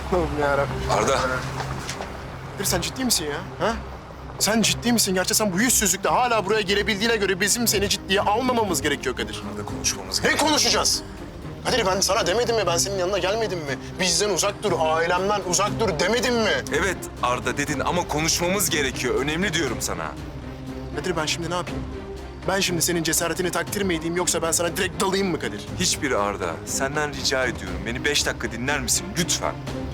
Allah'ım yarabbim. Arda. Kadir sen ciddi misin ya? Ha? Sen ciddi misin? Gerçi sen bu yüzsüzlükle hala buraya gelebildiğine göre bizim seni ciddiye almamamız gerekiyor Kadir. Arda konuşmamız Ne gerekiyor. konuşacağız? Kadir ben sana demedim mi? Ben senin yanına gelmedim mi? Bizden uzak dur, ailemden uzak dur demedim mi? Evet Arda dedin ama konuşmamız gerekiyor. Önemli diyorum sana. Kadir ben şimdi ne yapayım? Ben şimdi senin cesaretini takdir mi edeyim yoksa ben sana direkt dalayım mı Kadir? Hiçbiri Arda. Senden rica ediyorum. Beni 5 dakika dinler misin? Lütfen.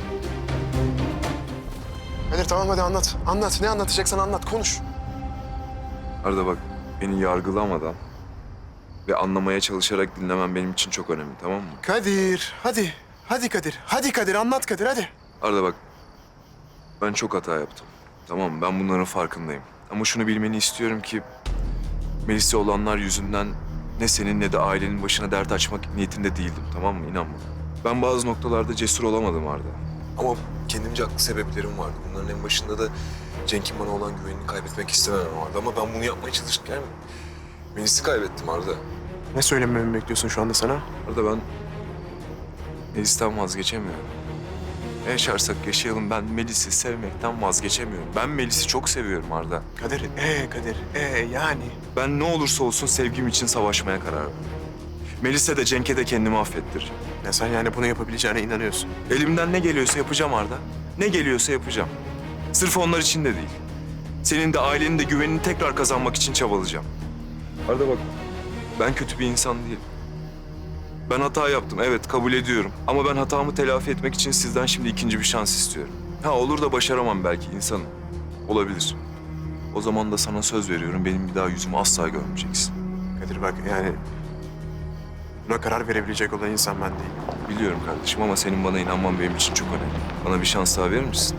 Kadir tamam hadi anlat. Anlat. Ne anlatacaksan anlat. Konuş. Arda bak beni yargılamadan ve anlamaya çalışarak dinlemen benim için çok önemli, tamam mı? Kadir hadi. Hadi Kadir. Hadi Kadir anlat Kadir hadi. Arda bak ben çok hata yaptım. Tamam mı? Ben bunların farkındayım. Ama şunu bilmeni istiyorum ki Melis'e olanlar yüzünden ne senin ne de ailenin başına dert açmak niyetinde değildim, tamam mı? İnan bana. Ben bazı noktalarda cesur olamadım Arda. Ama kendimce haklı sebeplerim vardı. Bunların en başında da Cenk'in bana olan güvenini kaybetmek istememem vardı. Ama ben bunu yapmaya çalışırken Melis'i kaybettim Arda. Ne söylememi bekliyorsun şu anda sana? Arda ben Melis'ten vazgeçemiyorum. Ne yaşarsak yaşayalım ben Melis'i sevmekten vazgeçemiyorum. Ben Melis'i çok seviyorum Arda. Kadir, Kadir, yani. Ben ne olursa olsun sevgim için savaşmaya karar verdim. Melis'e de Cenk'e de kendimi affettireceğim. Ya sen yani bunu yapabileceğine inanıyorsun. Elimden ne geliyorsa yapacağım Arda. Ne geliyorsa yapacağım. Sırf onlar için de değil. Senin de ailenin de güvenini tekrar kazanmak için çabalayacağım. Arda bak, ben kötü bir insan değilim. Ben hata yaptım, evet kabul ediyorum. Ama ben hatamı telafi etmek için sizden şimdi ikinci bir şans istiyorum. Ha olur da başaramam belki insanım. Olabilir. O zaman da sana söz veriyorum, benim bir daha yüzümü asla görmeyeceksin. Kadir bak yani buna karar verebilecek olan insan ben değilim. Biliyorum kardeşim ama senin bana inanman benim için çok önemli. Bana bir şans daha verir misin?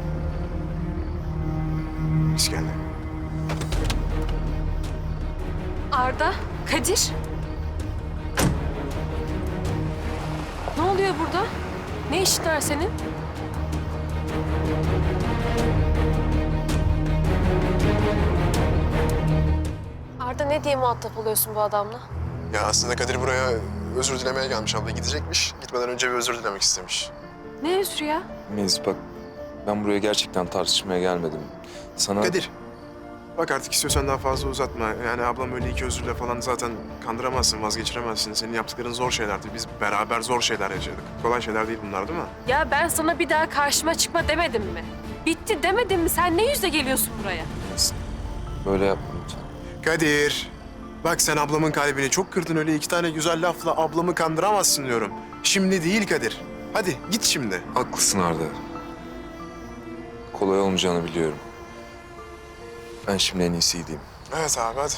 İskender. Arda, Kadir. Ne oluyor burada? Ne işin var senin? Arda ne diye muhatap oluyorsun bu adamla? Ya aslında Kadir buraya özür dilemeye gelmiş abla. Gidecekmiş. Gitmeden önce bir özür dilemek istemiş. Ne özrü ya? Melis bak, ben buraya gerçekten tartışmaya gelmedim. Sana... Kadir. Bak artık istiyorsan daha fazla uzatma. Yani ablam öyle iki özürle falan zaten kandıramazsın, vazgeçiremezsin. Senin yaptıkların zor şeylerdi. Biz beraber zor şeyler yaşadık. Kolay şeyler değil bunlar değil mi? Ya ben sana bir daha karşıma çıkma demedim mi? Bitti demedim mi? Sen ne yüzle geliyorsun buraya? Melis, böyle yapma lütfen. Kadir. Bak sen ablamın kalbini çok kırdın öyle iki tane güzel lafla ablamı kandıramazsın diyorum. Şimdi değil Kadir. Hadi git şimdi. Haklısın Arda. Kolay olmayacağını biliyorum. Ben şimdi en iyisi gideyim. Evet abi hadi.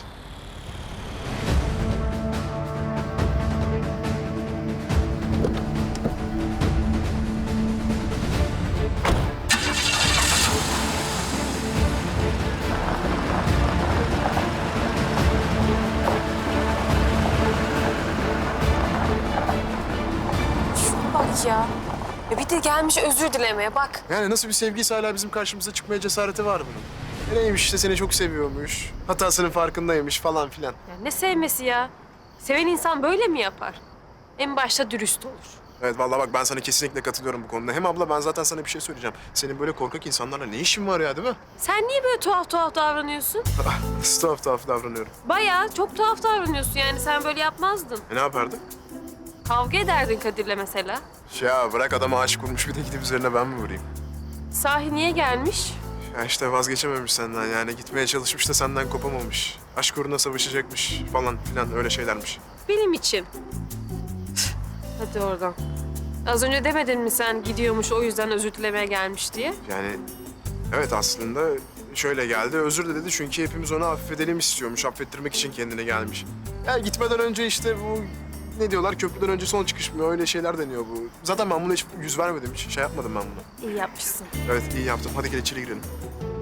Şuna bak ya. Bir de gelmiş özür dilemeye bak. Yani nasıl bir sevgiyse hala bizim karşımıza çıkmaya cesareti var bunun. Neymiş işte seni çok seviyormuş. Hatasının farkındaymış falan filan. Ya ne sevmesi ya? Seven insan böyle mi yapar? En başta dürüst olur. Evet vallahi bak ben sana kesinlikle katılıyorum bu konuda. Hem abla ben zaten sana bir şey söyleyeceğim. Senin böyle korkak insanlarla ne işin var ya değil mi? Sen niye böyle tuhaf tuhaf davranıyorsun? Nasıl tuhaf tuhaf davranıyorum. Bayağı çok tuhaf davranıyorsun yani sen böyle yapmazdın. Ne yapardın? Kavga ederdin Kadir'le mesela. Ya bırak adama aşık olmuş bir de gidip üzerine ben mi vurayım? Sahi niye gelmiş? Ya işte vazgeçememiş senden yani gitmeye çalışmış da senden kopamamış. Aşk uğruna savaşacakmış falan filan öyle şeylermiş. Benim için. Hadi oradan. Az önce demedin mi sen gidiyormuş o yüzden özür dilemeye gelmiş diye? Yani evet aslında şöyle geldi özür de dedi çünkü hepimiz onu affedelim istiyormuş. Affettirmek için kendine gelmiş. Ya gitmeden önce işte bu ne diyorlar köprüden önce son çıkış mı öyle şeyler deniyor bu. Zaten ben buna hiç yüz vermedim hiç şey yapmadım ben buna. İyi yapmışsın. Evet iyi yaptım hadi gel içeri girelim.